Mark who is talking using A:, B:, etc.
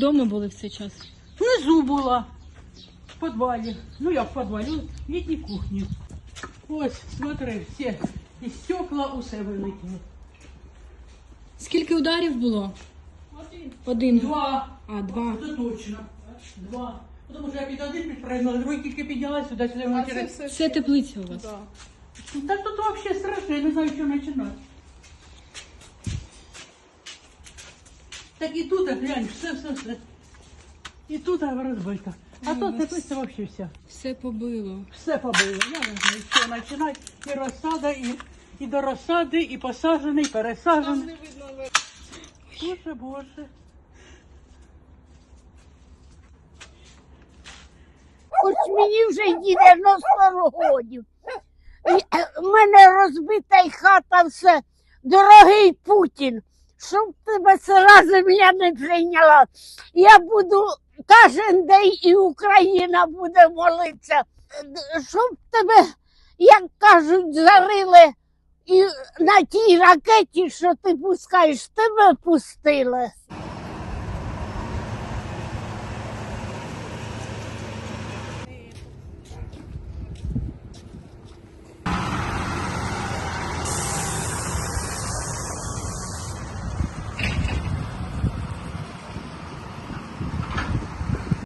A: вдома були в цей час?
B: Внизу була, в підвалі. Ну як в підвалі, в літній кухні. Ось, смотри, всі, і стекла усе вилетіли.
A: Скільки ударів було?
B: Один.
A: Один.
B: Два.
A: А, два.
B: Це точно. Два. Тому що я під один підпригнула, другий тільки піднялась сюди ввечері.
A: Це теплиця у вас?
B: Да. Так тут взагалі страшно, я не знаю, що починати. Так і тут, глянь, все. І тут розбито. А тут теплиця взагалі вся.
A: Все побило.
B: Все побило. Я не знаю, що починати. І розсада, і до розсади, і посаджений, і пересаджений. Боже.
C: Хоч мені вже й 90 років. У мене розбита й хата все. Дорогий Путін, щоб тебе сира земля не прийняла. Я буду кожен день і Україна буде молитися. Щоб тебе, як кажуть, зарили і на тій ракеті, що ти пускаєш, тебе пустили.